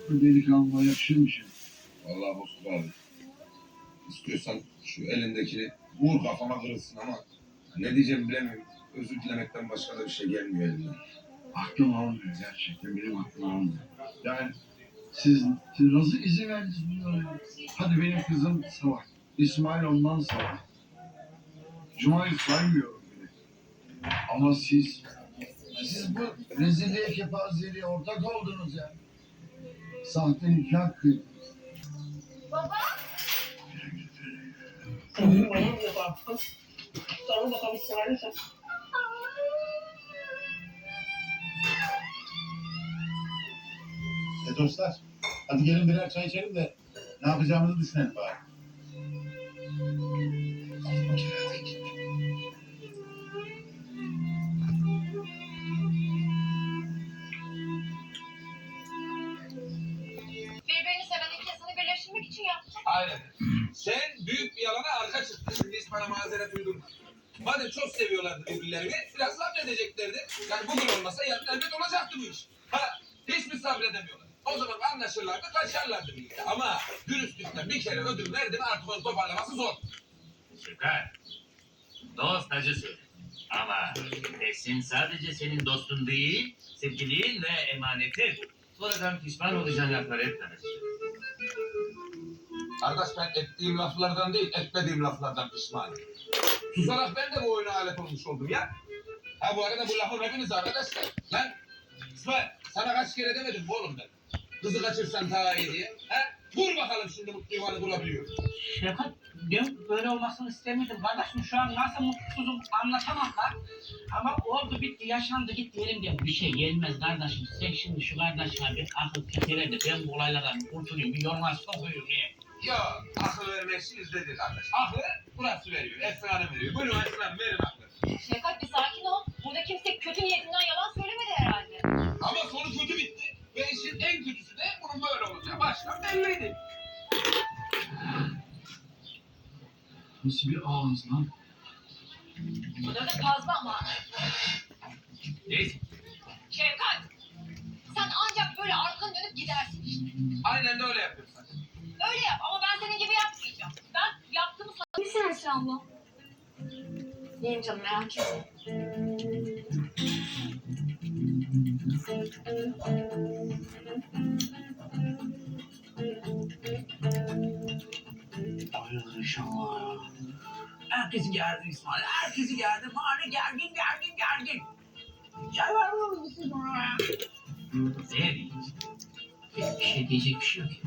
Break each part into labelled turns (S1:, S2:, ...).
S1: Bu delikanlıya yakışır mı şey?
S2: Vallahi Bozkurt abi. İstiyorsan şu elindekini vur kafama kırılsın ama ne diyeceğimi bilemiyorum. Özür dilemekten başka da bir şey gelmiyor elimden.
S1: Aklım almıyor gerçekten. Benim aklım almıyor. Yani siz nasıl izin verdiniz bunlara? Hadi benim kızım salak. İsmail ondan salak. Cuma'yı saymıyorum bile. Ama siz bu rezilliğe, kepazeliğe ortak oldunuz ya. Sahte nikah kıydınız.
S3: Baba.
S4: Sonra bakalım İsmail'e sen.
S5: Dostlar, hadi gelin birer çay içelim de ne yapacağımızı düşünelim bari.
S3: Birbirini seven iki insanı birleştirmek için yaptım.
S2: Aynen. Sen büyük bir yalana arka çıktın. Şimdi hiç bana mazeret uydurma. Madem çok seviyorlardı birbirlerini, biraz sabredeceklerdi. Yani bugün olmasa yarın elbet olacaktı bu iş. Hiç mi sabredemiyorlar? O zaman anlaşırlardı, kaçarlardı birlikte. Ama dürüstlükten bir kere ödül verdi mi artık onu toparlaması zor.
S6: Süper. Dost acısı. Ama Esin sadece senin dostun değil, sevgilin ve emanetin. Sonradan pişman olacağın laflar etmez.
S2: Arkadaş ben ettiğim laflardan değil, etmediğim laflardan pişmanım. Susarak ben de bu oyuna alet olmuş oldum ya. Ha bu arada bu lafın hepiniz arkadaşlar. Lan İsmail sana kaç kere demedim mi oğlum ben? Kızı kaçırsan daha iyi diye. Ha? Vur bakalım şimdi mutlu yuvanı bulabiliyor.
S4: Şefkat, ben böyle olmasını istemedim. Kardeşim şu an nasıl mutsuzum anlatamam lan. Ama oldu bitti, yaşandı gitti elimden bir şey gelmez kardeşim. Sen şimdi şu kardeşime bir akıl fikir de ben bu olaylardan kurtulayım, bir yoluna sokuyum ya.
S2: Yok, akıl vermek için izledi kardeş. Aklı burası veriyor, Esra'nın veriyor. Buyurun Esra'nın verin aklı.
S3: Şefkat bir sakin ol. Burada kimse kötü niyetinden yalan söylemedi herhalde.
S2: Ama sonu kötü bitti. Ve işin en kötüsü de bunun böyle olacağı. Baştan belliydi.
S1: Nasıl bir ağız lan?
S3: Bu da fazla ama.
S6: Neyse.
S3: Şefkat. Sen ancak böyle arkanı dönüp gidersin işte.
S2: Aynen de öyle yapıyorsun sen.
S3: Öyle yap ama ben senin gibi yapmayacağım. Ben yaptığımı sana... Misin Esra abla? İyiyim canım merak etme.
S1: Hayırdır inşallah ya.
S4: Herkesi gerdi İsmail, herkesi gerdi. Mahalle gergin. Çay var mı siz oraya?
S6: Ne diyeyim?
S4: Bir şey diyecek bir şey yok.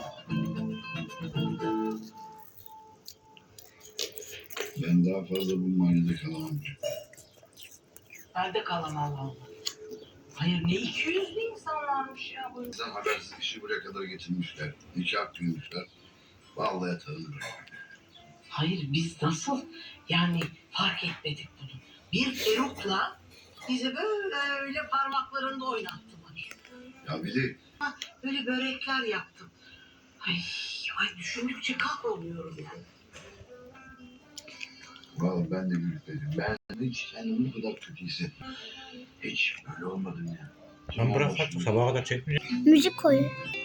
S1: Ben daha fazla bu mahallede kalamam.
S4: Ben de kalamam Allah. Hayır ne 200'lü insanlarmış ya bu.
S1: Bizden habersiz işi buraya kadar getirmişler. Nikah kıymışlar. Vallahi yatarım buraya.
S7: Hayır biz nasıl yani fark etmedik bunu. Bir erukla bizi böyle parmaklarında oynattılar.
S1: Ya bir de
S7: Böyle börekler yaptım. Ay düşündükçe kahroluyorum yani.
S1: vallahi ben de gülüpledim. Ben hiç kendimi bu kadar kötü hissettim. Hiç böyle olmadım ya.
S8: Lan bırak artık sabaha kadar çekmeyeceğim.
S9: Müzik koy.